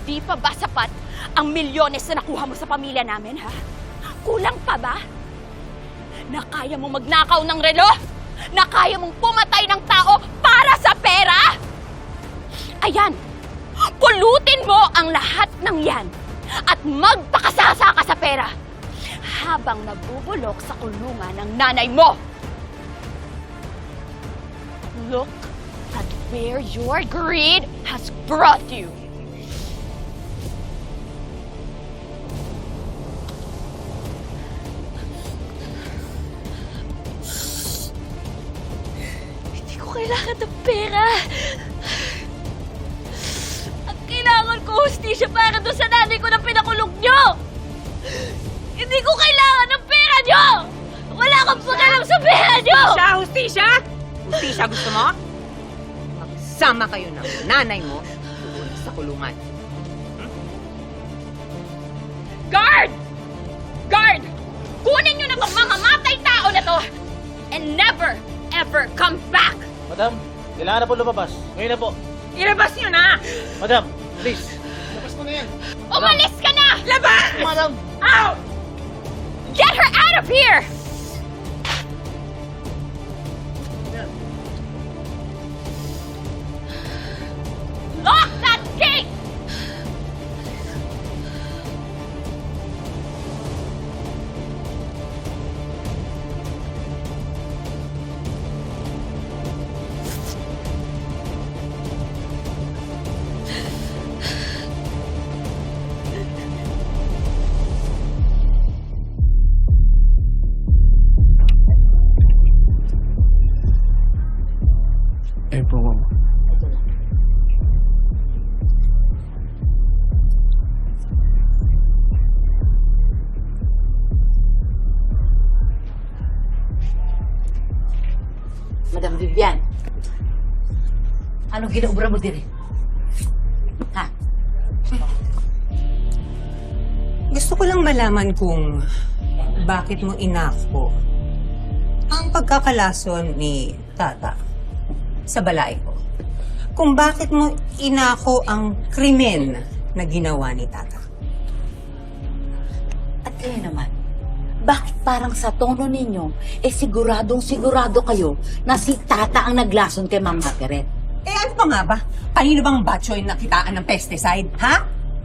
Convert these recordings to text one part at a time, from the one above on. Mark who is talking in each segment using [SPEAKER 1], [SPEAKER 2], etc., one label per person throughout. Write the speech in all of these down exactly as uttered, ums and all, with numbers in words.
[SPEAKER 1] Hindi pa ba sapat ang milyones na nakuha mo sa pamilya namin, ha? Kulang pa ba? Na kaya mong magnakaw ng relo? Na kaya mong pumatay ng tao para sa pera? Ayan, pulutin mo ang lahat ng yan at magpakasasa ka sa pera habang nabubulok sa kulungan ng nanay mo. Look at where your greed has brought you. Hindi ko kailangan ng pera. Ang kailangan ko, hustisya para doon sa nanay ko na pinakulong nyo. Hindi ko kailangan ng pera nyo. Wala kang pagalang sa pera nyo.
[SPEAKER 2] Hustisya! Hustisya! Hustisya gusto mo? Magsama kayo ng nanay mo doon sa kulungan. Hmm?
[SPEAKER 1] Guard! Guard! Kunin nyo na tong mamamatay tao na to and never, ever come back!
[SPEAKER 3] Madam, kailangan na po lumabas. Ngayon na po.
[SPEAKER 2] Ilabas nyo na!
[SPEAKER 3] Madam, please. Labas mo na yan.
[SPEAKER 1] Umalis ka na!
[SPEAKER 2] Labas!
[SPEAKER 3] Madam!
[SPEAKER 2] Out!
[SPEAKER 1] Get her out of here! Lock that gate!
[SPEAKER 3] Eh po, ma'am.
[SPEAKER 4] Madam Vivian, anong ginaubra mo din eh? Ha?
[SPEAKER 2] Gusto ko lang malaman kung bakit mo inako ang pagkakalason ni Tata sa balay ko. Kung bakit mo inako ang krimen na ginawa ni Tata.
[SPEAKER 4] At kayo naman, bakit parang sa tono ninyo, eh siguradong sigurado kayo na si Tata ang naglason kay Ma'am Margaret?
[SPEAKER 2] Eh ano pa nga ba? Kanino bang batchoy na kitaan ng pesticide, ha?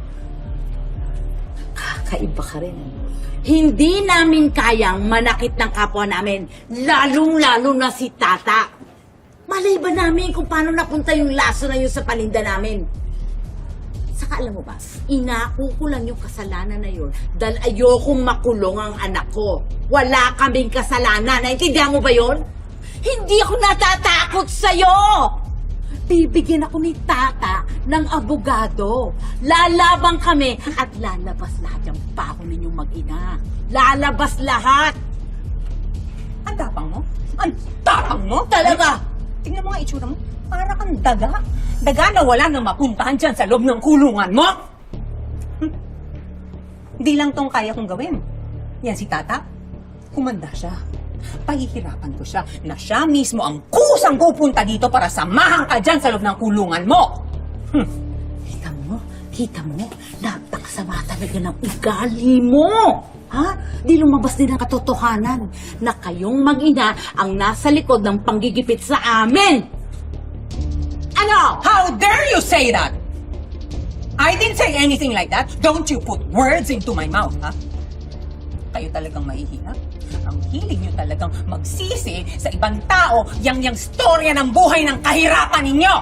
[SPEAKER 4] Kakaiba ka rin. Ano? Hindi namin kayang manakit ng kapwa namin, lalong-lalo na si Tata. Malay ba namin kung paano napunta yung laso na yun sa paninda namin? Saka alam mo ba, inako ko lang yung kasalanan na yun dahil ayokong makulong ang anak ko. Wala kaming kasalanan. Naintindihan mo ba yun? Hindi ako natatakot sa'yo! Bibigyan ako ni Tata ng abogado. Lalabang kami at lalabas lahat yung pako ninyong mag-ina. Lalabas lahat!
[SPEAKER 2] Ang tapang mo? Ang tapang mo?
[SPEAKER 4] Talaga!
[SPEAKER 2] Tingnan mo nga itsura mo. Para kang daga. Daga na wala nang mapuntahan dyan sa loob ng kulungan mo. Hm. Hindi lang tong kaya kong gawin. Yan si Tata. Kumanda siya. Pahihirapan ko siya na siya mismo ang kusang pupunta dito para samahan ka dyan sa loob ng kulungan mo. Hm.
[SPEAKER 4] Kita mo? Kita mo? Napakasama talaga ng ugali mo! Ha? Di lumabas din ang katotohanan na kayong mag-ina ang nasa likod ng panggigipit sa amin! Ano?
[SPEAKER 2] How dare you say that? I didn't say anything like that. Don't you put words into my mouth, ha? Kayo talagang mahihina. Ang hilig nyo talagang magsisi sa ibang tao yang-yang storya ng buhay ng kahirapan ninyo.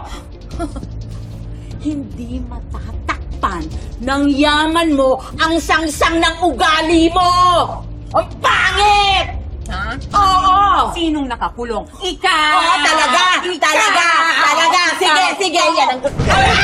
[SPEAKER 4] Hindi matatakpan ng yaman mo ang sangsang ng ugali mo! Ang pangit!
[SPEAKER 2] Ha?
[SPEAKER 4] Oo!
[SPEAKER 2] Sinong nakakulong? Ikaw!
[SPEAKER 4] Oo, talaga!
[SPEAKER 2] Ikaw!
[SPEAKER 4] Talaga! Talaga! Sige, sige! Yan ang gusto.